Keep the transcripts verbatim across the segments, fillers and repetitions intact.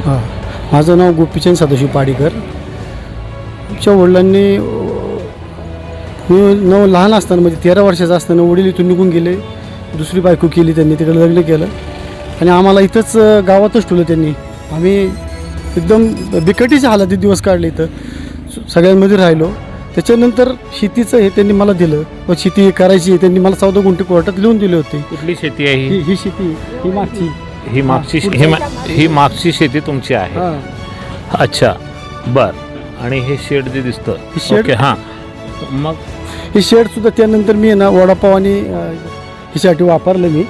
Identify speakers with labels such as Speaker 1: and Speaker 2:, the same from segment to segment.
Speaker 1: हां, माझं नाव गोपीचंद सदाशिव पाडीकर. आमच्या वडिलांनी मी नऊ लहान असताना म्हणजे तेरा वर्षाचा असताना वडील इथून निघून गेले. दुसरी बायको केली त्यांनी, तिकडे लग्न केलं आणि आम्हाला इथंच गावातच ठेवलं त्यांनी. आम्ही एकदम बिकटीच्या हालातीत दिवस काढले, इथं सगळ्यांमध्ये राहिलो. त्याच्यानंतर शेतीचं हे त्यांनी मला दिलं व शेती करायची त्यांनी मला चौदा गुंठे कोर्टात लिहून दिले होते.
Speaker 2: कुठली शेती आहे ही?
Speaker 1: ही शेती ही मागची
Speaker 2: ही मागची ही मा- ही मागची शेती तुमची आहे.
Speaker 1: हां,
Speaker 2: अच्छा, बर. आणि हे शेड जे दिसतं,
Speaker 1: हे शेड-
Speaker 2: ओके, हां. मग
Speaker 1: हे शेडसुद्धा त्यानंतर मी आहे ना वडापाव आणि अं, ह्याच्यासाठी वापरलं. मी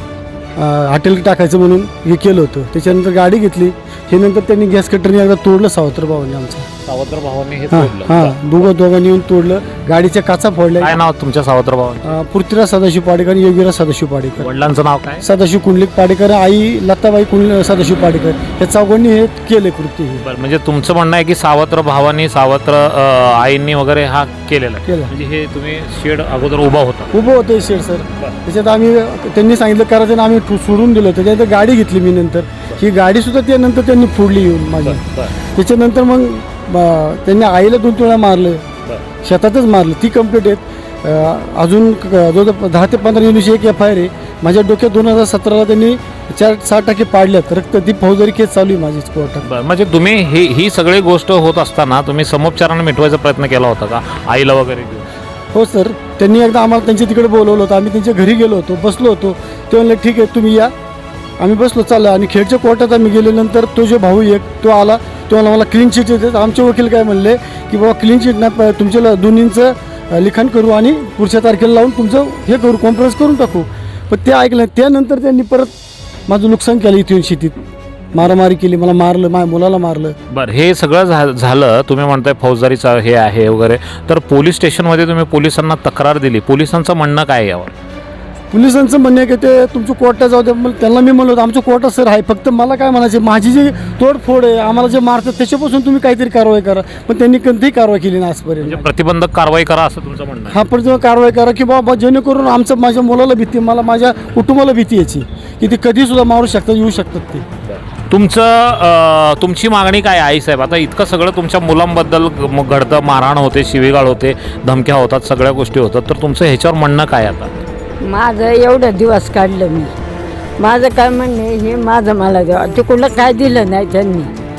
Speaker 1: अं, हॉटेल टाकायचं म्हणून हे केलं होतं. त्याच्यानंतर गाडी घेतली. हे नंतर त्यांनी गॅस कटरने एकदा तोडलं सावत्र भावाने आमचं.
Speaker 2: सावत्र भावांनी हे
Speaker 1: हां
Speaker 2: तोडलं.
Speaker 1: हां, दोघं दोघांनी येऊन तोडलं. गाडीच्या काचा फोडल्या.
Speaker 2: काय नाव तुमच्या सावत्र भावांचं?
Speaker 1: अं, पृथ्वीराज सदाशिव पाडेकर आणि योगीराज सदाशिव पाडेकर.
Speaker 2: वडिलांचं नाव काय?
Speaker 1: सदाशिव कुंडलिक पाडेकर, आई लताबाई कुंड सदाशिव पाडेकर. या चौघांनी हे केले कृत्य हे
Speaker 2: बरं, म्हणजे तुमचं म्हणणं आहे की सावत्र भावांनी, सावत्र अं, आईंनी वगैरे हा केलेला आहे.
Speaker 1: केलं.
Speaker 2: म्हणजे हे तुम्ही शेड अगोदर उभा होता.
Speaker 1: उभं होतं हे शेड सर. त्याच्यात आम्ही त्यांनी सांगितलं करायचं आम्ही ठो- सोडून दिलं होतं. त्यानंतर गाडी घेतली मी. नंतर ही गाडीसुद्धा त्यानंतर त्यांनी फोडली येऊन माझी. त्याच्यानंतर मग ब- त्यांनी आईला दोन वेळा मारलं, शेतातच मारलं. ती कंप्लीट आहेत. अं, अजून क- जवळजवळ दहा ते पंधरा युनिटची एक एफ आय आर आहे माझ्या डोक्यात. दोन हजार सतराला त्यांनी चार सहा टक्के पाडल्यात. रक्त ती फौजदारी केस चालू आहे माझीच कोर्टात.
Speaker 2: बरं, म्हणजे तुम्ही ही ही सगळी गोष्ट होत असताना तुम्ही समोपचाराने मिटवायचा प्रयत्न केला होता का आईला वगैरे घेऊन?
Speaker 1: हो सर, त्यांनी एकदा आम्हाला त्यांच्या तिकडे बोलवलं होतं. आम्ही त्यांच्या घरी गेलो होतो, बसलो होतो. ते म्हणले ठीक आहे तुम्ही या. आम्ही बसलो, चाललं. आणि खेडच्या कोर्टात आम्ही गेल्यानंतर तो जो भाऊ एक तो आला. तो मला मला क्लीन चिट देतात. आमचे वकील काय म्हणले की बाबा क्लीन चिट ना प- तुमच्या दोन्हींचं लिखाण करू आणि पुढच्या तारखेला लावून तुमचं हे करू, कॉन्फरन्स करून टाकू. पण ते ऐकलं. त्यानंतर त्यांनी परत माझं नुकसान केलं. इथून शेतीत मारामारी केली, मला मारलं, माझ्या मुलाला मारलं.
Speaker 2: बरं, हे सगळं झा झालं तुम्ही म्हणताय फौजदारीचं हे आहे वगैरे, तर पोलीस स्टेशनमध्ये तुम्ही पोलिसांना तक्रार दिली. पोलिसांचं म्हणणं काय आहे यावर?
Speaker 1: पोलिसांचं म्हणणं आहे की ते तुमचं कोर्टात जाऊ द्या. मग त्यांना मी म्हणलो होतं आमचं कोर्टात सर आहे. फक्त मला काय म्हणायचे, माझी जी तोडफोड आहे, आम्हाला जे मारतात त्याच्यापासून तुम्ही काहीतरी कारवाई करा. पण त्यांनी कोणतीही कारवाई केली नाही आजपर्यंत.
Speaker 2: म्हणजे प्रतिबंधक कारवाई करा असं तुमचं म्हणणं आहे?
Speaker 1: हा, पण कारवाई करा की बाबा जेणेकरून आमचं माझ्या मुलाला भीती, मला माझ्या कुटुंबाला भीती याची की ते कधीसुद्धा मारू शकतात, येऊ शकतात ते.
Speaker 2: तुमचं अं, तुमची मागणी काय आहे आईसाहेब? आता इतकं सगळं तुमच्या मुलांबद्दल ग- घडतं, मारहाण होते, शिवीगाळ होते, धमक्या होतात, सगळ्या गोष्टी होतात, तर तुमचं ह्याच्यावर म्हणणं काय आता?
Speaker 3: माझं एवढं दिवस काढलं मी. माझं काय म्हणणे, हे माझं मला द्यावा. ते कुठलं काय दिलं नाही त्यांनी.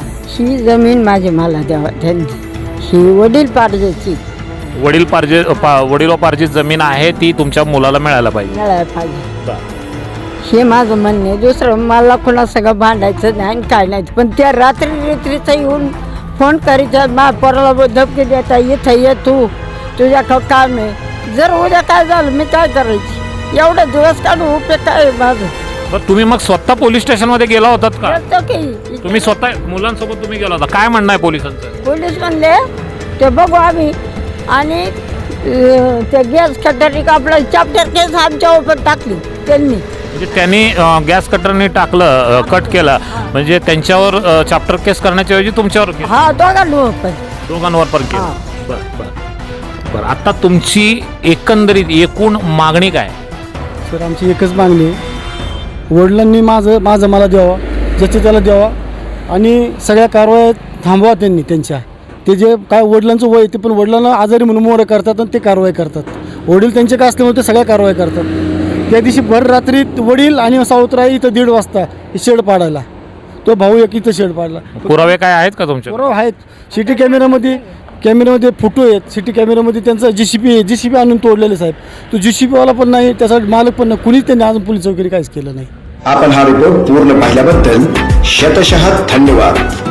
Speaker 3: ही जमीन माझी मला द्यावा त्यांनी. ही वडील पार्जाची
Speaker 2: वडील पार्जे पा वडिलोपार्जित जमीन आहे ती तुमच्या मुलाला मिळायला पाहिजे.
Speaker 3: मिळायला पाहिजे, हे माझं म्हणणं आहे. दुसरं मला कोणा सगळं भांडायचं नाही आणि काय नाही. पण त्या रात्री रात्रीचं येऊन फोन करायचा, मा पोराला धमकी देता, इथं ये तू, तुझ्याकडं काम आहे. जर उद्या काय झालं मी काय करायची? एवढा दिवस काढून उपयोग काय आहे माझं?
Speaker 2: बरं, तुम्ही मग स्वतः पोलीस स्टेशनमध्ये गेला होतात का?
Speaker 3: करतो की
Speaker 2: तुम्ही स्वतः मुलांसोबत तुम्ही गेला होता? काय म्हणणं आहे पोलिसांचं?
Speaker 3: पोलीस म्हणले ते बघू आम्ही. आणि अं, ते गॅस कटरी आपलं चॅप्टर केस आमच्या उपर टाकली त्यांनी.
Speaker 2: म्हणजे त्यांनी अं, गॅस कटरने टाकलं, अं, कट केलं, म्हणजे त्यांच्यावर अं, चॅप्टर केस करण्याच्या ऐवजी तुमच्यावर केस-
Speaker 3: हा, दोघांना पण.
Speaker 2: दोघांवर पण केलं.
Speaker 3: हां.
Speaker 2: बरं बरं बरं, आता तुमची एकंदरीत एकूण मागणी काय?
Speaker 1: सर आमची एकच मागणी आहे, वडिलांनी माझं माझं मला द्यावा, ज्याचं त्याला द्यावा. आणि सगळ्या कारवाया थांबवा त्यांनी त्यांच्या. ते जे काय वडिलांचं वय ते पण वडिलांना आजारी म्हणून मोरं करतात आणि ते कारवाई करतात. वडील त्यांचे काय असल्यामुळे ते सगळ्या कारवाई करतात. त्या दिवशी भर रात्री वडील आणि सावत्राई इथं दीड वाजता शेड पाडायला. तो भाऊ एक इथं शेड पाडला.
Speaker 2: पुरावे काय आहेत का तुमचे?
Speaker 1: बरोबर आहेत. सिटी कॅमेऱ्यामध्ये कॅमेऱ्यामध्ये फोटो आहेत. सिटी कॅमेऱ्यामध्ये त्यांचा जी सी पी आहे, जी सी पी आणून तोडलेले साहेब. तो जी सी पीवाला पण नाही, त्याचा मालक पण नाही, कुणीच त्यांनी अजून पोलीस वगैरे काहीच केलं नाही.
Speaker 4: आपण हा रिपोर्ट पूर्ण पाहिल्याबद्दल शतशः धन्यवाद.